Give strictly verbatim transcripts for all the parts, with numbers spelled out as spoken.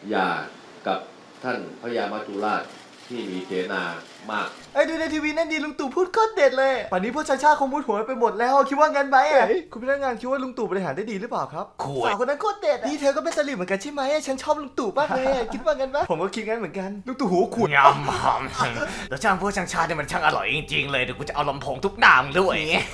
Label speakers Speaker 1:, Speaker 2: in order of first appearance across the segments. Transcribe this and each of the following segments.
Speaker 1: หย่ากับท่านพญามัจจุราชที่มีเสนามาก
Speaker 2: ไอ้ดูในทีวีนั่นดีลุงตู่พูดโคตรเด็ดเลยป่านนี้พวกชาชาคงมุดหัวไปหมดแล้วคิดว่างั้นไหมอ่ะคุณพนักงานคิดว่าลุงตู่บริหารได้ดีหรือเปล่าครับสาวคนนั้นโคตรเด็ดนี่เธอก็เป็นสลิมเหมือนกันใช่ไหมฉันชอบลุงตู่มากเลยคิดว่างั้นปะผมก็คิดงั้นเหมือนกันลุงตู่หูขุด
Speaker 3: งำหำแล้วช่างพวกช่างชาเนี่ยมันช่างอร่อยจริงๆเลยเดี๋ยวกูจะเอาลำโพงทุกหน้ามึงด้วย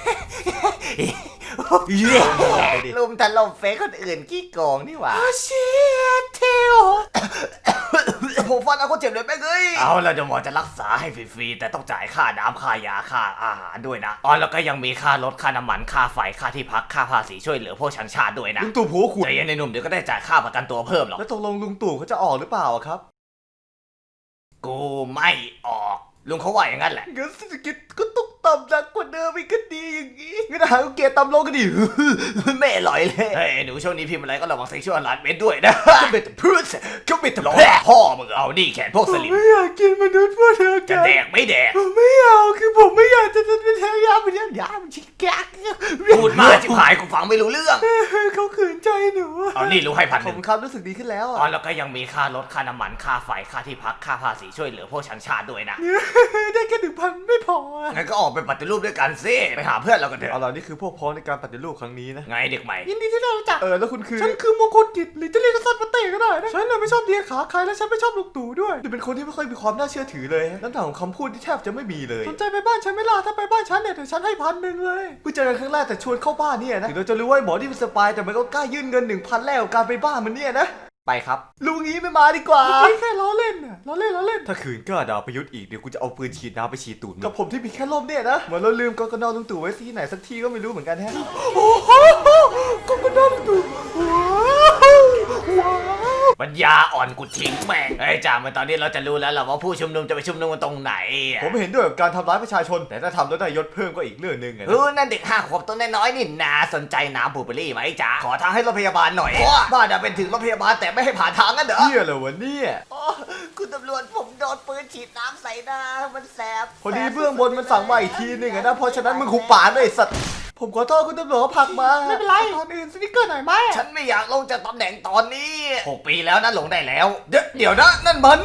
Speaker 3: ลุมถล่มเฟซคนอื่นขี้โกงนี่หว่า
Speaker 2: เชียเทลผมฟันเอาคนเจ็บเลยแม่งเอ้ย
Speaker 3: เอาแล้วเดี๋ยวหมอจะรักษาให้ฟรีๆแต่ต้องจ่ายค่าน้ำค่ายาค่าอาหารด้วยนะอ๋อแล้วก็ยังมีค่ารถค่าน้ำมันค่าไฟค่าที่พักค่าภาษีช่วยเหลือพวกชังชาติด้วยนะ
Speaker 2: ลุงตู่หูขุด
Speaker 3: ใจเย็นในหนุ่มเดี๋ยวก็ได้จ่ายค่าประกันตัวเพิ่มหรอก
Speaker 2: แล้วตกลงลุงตู่เขาจะออกหรือเปล่าครับ
Speaker 3: กูไม่ออกลุงเขาว่าอย่างนั้นแหละ
Speaker 2: เงินเศรษฐกิจก็ตกต่ำหนักกว่าเดิมอีกก็ดีอย่างงี้งั้นหาเกียร์ต่ำลงก็ดีแม่ลอยเลย
Speaker 3: เฮ้ยหนูช่วงนี้พิมพ์อะไรก็ระวังเซ็กชวลหลานเม็ดด้วยนะ
Speaker 2: ก็เป็นพูดก็เป็น
Speaker 3: ร้องพ่อมึงเอานี่แขนพวกสลิม
Speaker 2: ไม่อยากกินมนุษย์พวกเธอ
Speaker 3: จะแดกไม่แดก
Speaker 2: ไม่เอาคือผมไม่อยากจะเป็นทายาเป็นยาเป็นชิคแก๊ก
Speaker 3: พูดมาจิ๋วหายกูฟังไม่รู้เรื่อง
Speaker 2: เขาขืนใจหนู
Speaker 3: เอานี่รู้ให้พันหนึ่ง
Speaker 2: ผมครับรู้สึกดีขึ้นแล้ว
Speaker 3: อ๋อแล้วก็ยังมีค่ารถค่าน้ำมันค่าไฟค่าที่พักค่าภาษีช่วยเหลือพวกชังชาติด้วยนะ
Speaker 2: ได้แค่หนึ่งพันไม่พอ
Speaker 3: งั้นก็ออกไปปฏิรูปด้วยกันสิไปหาเพื่อนเรากันเถอะ
Speaker 2: เอาล่ะนี่คือพวกพ้องในการปฏิรูปครั้งนี้นะ
Speaker 3: ไงเด็กใหม่
Speaker 2: ยินดีที่ได้รู้จักเออแล้วคุณคือฉันคือมงคลกิจหรือจะเรียกสั้นมาเตะก็ได้นะฉันน่ะไม่ชอบเดียขาใครและฉันไม่ชอบลุงตู่ด้วยดูเป็นคนที่ไม่ค่อยมีความน่าเชื่อถือเลยน้ำหนักของคำพูดที่แทบจะไม่มีเลยสนใจไปบ้านฉันไหมล่ะถ้าไปบ้านฉันเนี่ยเดี๋ยวฉันให้พันหนึ่งเลยเพิ่งเจอกันครั้งแรกแต่ชวนเข้าบ้านเนี่ยนะถึงเราจะรู้ว่าหมอที่เป็นสปายแต่มันก็กล้ายื่นเงินหนึ่งพันแล้วการไปบ้านมันเนี่ยนะ
Speaker 3: ไปครับ
Speaker 2: ลุงงี้ไม่มาดีกว่าแค่ล้อเล่นน่ะล้อเล่นล้อเล่นถ้าขืนกล้าด่าประยุทธ์อีกเดี๋ยวกูจะเอาปืนฉีดน้ำไปฉีดตูดกับผมที่มีแค่ลมเนี่ยนะเหมือนเราลืมกกนลุงตู่ไว้ที่ไหนสักที่ก็ไม่รู้เหมือนกันฮะโอ้โหกกนลุงตู่ว้าว
Speaker 3: ปัญญาอ่อนกูทิ้งแม่งเฮ้ยจ่าเมื่อตอนนี้เราจะรู้แล้วหรอว่าผู้ชุมนุมจะไปชุมนุมกันตรงไหน
Speaker 2: ผมเห็นด้วยกับการทำร้ายประชาชนแต่ถ้าทำแล้วได้ยศเพิ่มก็อีกเรื่องนึงไง
Speaker 3: เออนั่นเด็กห้าขวบตัวน้อยๆนี่นาสนใจน้ำบูเบอรี่ไหมจ๊ะขอทางให้รถพยาบาลหน่อยบ้านจะเป็นถึงรถพยาบาลแต่ไม่ให้ผ่านทางกันเหรอ
Speaker 2: เหี้ยเหรอวะเนี่ย
Speaker 3: คุณตำรวจผมโดนปืนฉีดน้ำใส่หน้ามันแสบ
Speaker 2: พอดีเบื้องบนมันสั่งมาอีกทีนึงนะเพราะฉะนั้นมึงหุบปากด้วยสัตว์ผมขอโทษคุณตำรวจเขาผลักมาไม่เป็นไรตอนอื่นสนิกเกอร์หน่อยไหม
Speaker 3: ฉันไม่อยากลงจากตำแหน่งตอนนี้หกปีแล้วนะลงได้แล้วเดี๋ยวเดี๋ยวนะนั่นมัน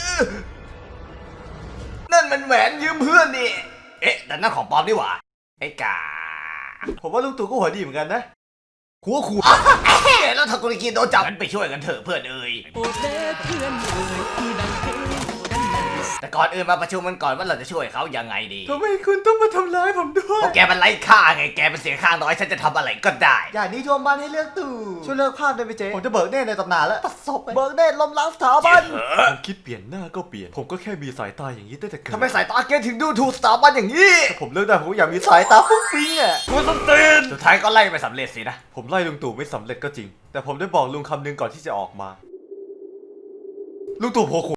Speaker 3: นั่นมันแหวนยืมเพื่อนนี่เอ๊ะแต่นั่นของปลอมนี่หว่าไอ้กา
Speaker 2: ผมว่าลุงตู่ก็หัวดีเหมือนกันนะหัวขู่
Speaker 3: แล้วถ้ากุลิกีโดนจับงั้นไปช่วยกันเถอะเพื่อนเอ่ยแต่ก่อนอื่นมาประชุมกันก่อนว่าเราจะช่วยเขายังไงดี
Speaker 2: ทำไมคุณต้องมาทำร้ายผมด้วย
Speaker 3: เพราะแกมันไร้ค่าไงแกเป็นเสียงข้างน้อยฉันจะทำอะไรก็ได้
Speaker 2: อย่างนี้ทวงบ้านให้เลือกตู่ช่วยเลิกภาพได้ไหมเจ๊ผมจะเบิกเนตในตำนานแล้วตัดศพเบิกเนตล้มล้างสถาบันผมคิดเปลี่ยนหน้าก็เปลี่ยนผมก็แค่มีสายตาอย่างนี้ตั้งแต่เกิด
Speaker 3: ทำไมสายตาแกถึงดูถูกสถาบันอย่างนี้
Speaker 2: ถ้าผมเลิกได้ผมก็อยากมีสายตาฟุ้งฟิ้งอ่ะ
Speaker 3: กูต้องตื่นสุดท้ายก็ไล่ไปสำเร็จสินะ
Speaker 2: ผมไล่ลุงตู่ไม่สำเร็จก็จริงแต่ผมได้บอกลุงคำนึงก่อนที่จะออกมาลุงตู่โผล่